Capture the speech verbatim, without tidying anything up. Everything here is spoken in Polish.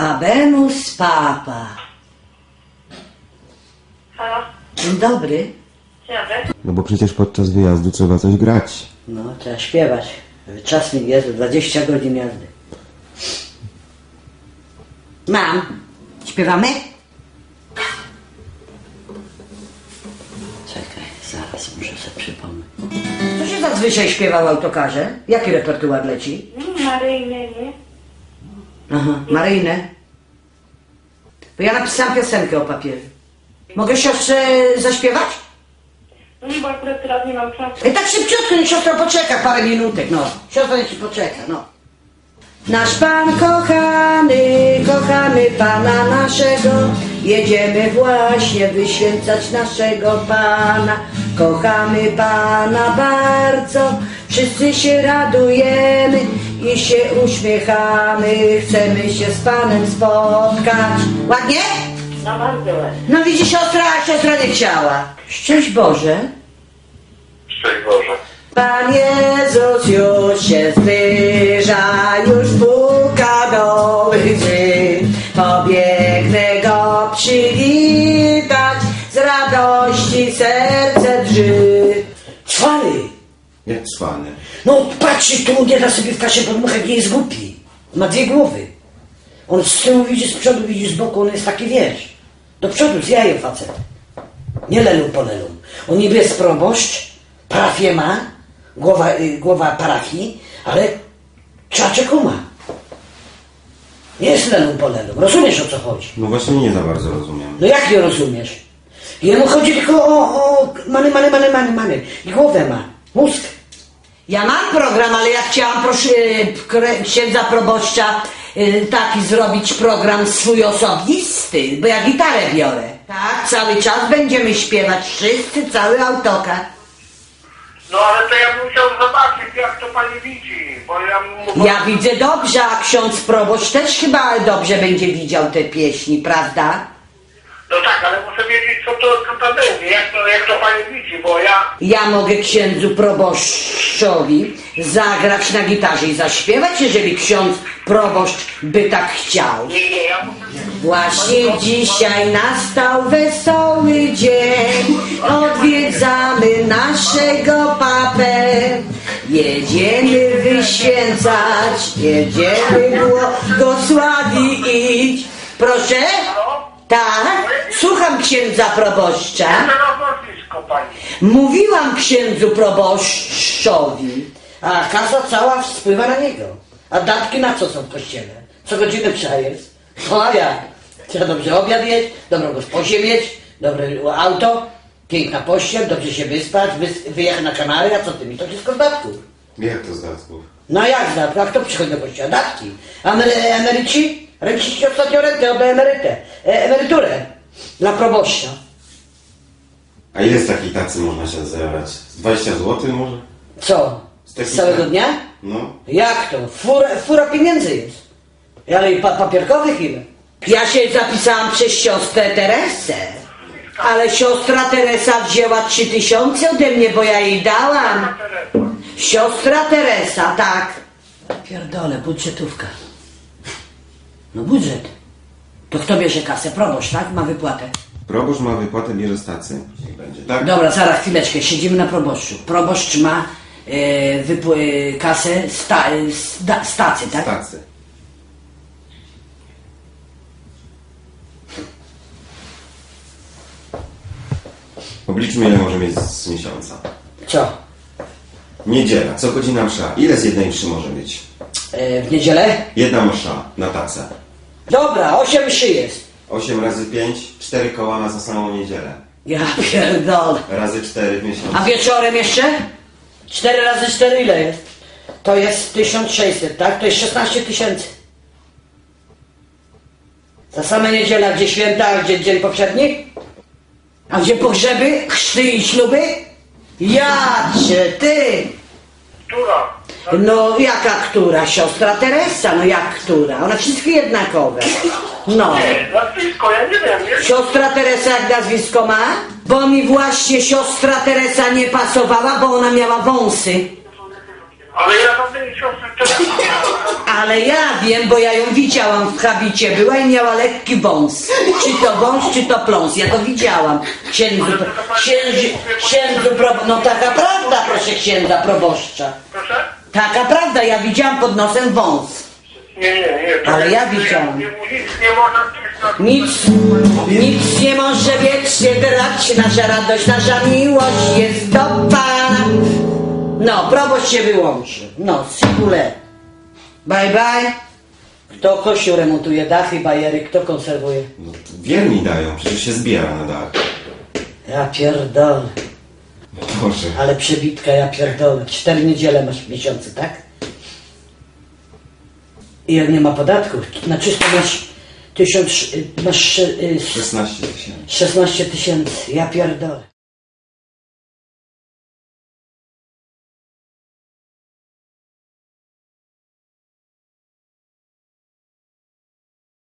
Habemus Papa. Halo? Dzień dobry. Dzień dobry. No bo przecież podczas wyjazdu trzeba coś grać. No, trzeba śpiewać. Czas mi jest, dwadzieścia godzin jazdy. Mam. Śpiewamy? Czekaj, zaraz muszę sobie przypomnieć. Co się zazwyczaj śpiewa w autokarze? Jaki repertuar leci? Maryjny, nie? Aha, Maryjne. Bo ja napisałam piosenkę o papieżu. Mogę siostrze zaśpiewać? No bo akurat teraz nie mam czasu. I tak szybciutko, niech siostra poczeka parę minutek, no. Siostra niech ci poczeka, no. Nasz Pan kochany, kochamy Pana naszego, jedziemy właśnie wyświęcać naszego Pana. Kochamy Pana bardzo, wszyscy się radujemy i się uśmiechamy, chcemy się z Panem spotkać. Ładnie? No bardzo ładnie. No widzi siostra, a siostra nie chciała. Szczęść Boże. Szczęść Boże. Pan Jezus już się zbliża, już puka do mych drzwi. Pobiegnę Go przywitać, z radości serce drży. Cwany! Jak cwany. No patrzy tu, nie da sobie w kasie podmuchać, nie jest głupi. Ma dwie głowy. On z tyłu widzi, z przodu widzi, z boku, on jest taki, wiesz, do przodu z jajem facet. Nie lelum po lelum. On niby jest proboszcz, parafię ma, głowa, y, głowa parafii, ale czaczek ma. Nie jest lelum po lelum. Rozumiesz, o co chodzi? No właśnie nie za bardzo rozumiem. No jak nie rozumiesz? Jemu chodzi tylko o, o many, many, many, many, many. I głowę ma, mózg. Ja mam program, ale ja chciałam, proszę, y, księdza proboszcza, y, taki zrobić program swój osobisty, bo ja gitarę biorę. Tak, cały czas będziemy śpiewać, wszyscy, cały autokar. No ale to ja bym chciał zobaczyć, jak to pani widzi, bo ja mówię... Ja widzę dobrze, a ksiądz proboszcz też chyba dobrze będzie widział te pieśni, prawda? No tak, ale muszę wiedzieć, co to, co to będzie, jak to, jak to pani widzi, bo ja... Ja mogę księdzu proboszczowi zagrać na gitarze i zaśpiewać, jeżeli ksiądz proboszcz by tak chciał. Nie, nie, ja muszę... Właśnie dzisiaj nastał wesoły dzień, odwiedzamy naszego papę. Jedziemy wyświęcać, jedziemy błogosławić. Proszę? Tak? Słucham księdza proboszcza. Teraz nazwisko pani. Mówiłam księdzu proboszczowi, a kasa cała spływa na niego. A datki na co są w kościele? Co godzinę trzeba jest? No a jak? Trzeba dobrze obiad jeść, dobrą gosposię mieć, dobre auto, piękna pościel, dobrze się wyspać, wys- wyjechać na Kanary, a co ty mi? To wszystko z datków. Jak to z datków? No jak z datków? A kto przychodzi do kościoła? Datki. Emery- emeryci? Renciści ostatnio rentę, oddaję emerytę. E- emeryturę. Dla proboszcza. A ile z takiej tacy można się zebrać? Z dwadzieścia złotych może? Co? Z takich Z całego tak. dnia? No. Jak to? Fura, fura pieniędzy jest. Ale i pa papierkowych ile? Ja się zapisałam przez siostrę Teresę. Ale siostra Teresa wzięła trzy tysiące ode mnie, bo ja jej dałam. Siostra Teresa, tak. Pierdolę, budżetówka. No budżet. To kto bierze kasę? Proboszcz, tak? Ma wypłatę. Proboszcz ma wypłatę, bierze z tacy. Niech będzie, tak? Dobra, zaraz, chwileczkę, siedzimy na proboszczu. Proboszcz ma e, wypł- kasę sta, sta, stacy, tak? Z tacy. Obliczmy, ile może mieć z miesiąca. Co? Niedziela, co godzina msza. Ile z jednej mszy może być? E, w niedzielę? Jedna msza na tacę. Dobra, osiem mszy jest. osiem razy pięć, cztery koła na za samą niedzielę. Ja pierdolę. Razy cztery w miesiącu. A wieczorem jeszcze? cztery razy cztery ile jest? To jest tysiąc sześćset, tak? To jest szesnaście tysięcy. Za same niedziela, a gdzie święta, a gdzie dzień poprzedni? A gdzie pogrzeby, chrzty i śluby? Ja cię, ty! Która? No jaka która? Siostra Teresa, no jak która? One wszystkie jednakowe. No. Nie, nazwisko, ja nie wiem, nie? Siostra Teresa jak nazwisko ma? Bo mi właśnie siostra Teresa nie pasowała, bo ona miała wąsy. Ale ja żadnej siostry wczoraj nie miałem. Ale ja wiem, bo ja ją widziałam w habicie, była i miała lekki wąs. Czy to wąs, czy to pląs, ja to widziałam. Księdzu, księdzu, księdzu, pro... no taka prawda, proszę księdza proboszcza. Proszę? Taka prawda, ja widziałam pod nosem wąs. Nie, nie, nie. to Ale ja nie- widziałam. nie- Nic nie można coś na... Nic, nic nie może wiecznie grać, nasza radość, nasza miłość jest do Pana. No, proboszcz się wyłączy. No, sikule. Bye bye. Kto kościół remontuje, dachy, bajery, kto konserwuje? No, wierni dają, przecież się zbiera na dach. Ja pierdolę. Boże. Ale przebitka, ja pierdolę. Cztery niedziele masz w miesiącu, tak? I jak nie ma podatków, na czysto masz tysiąc, masz y, szesnaście tysięcy. szesnaście tysięcy. Ja pierdolę.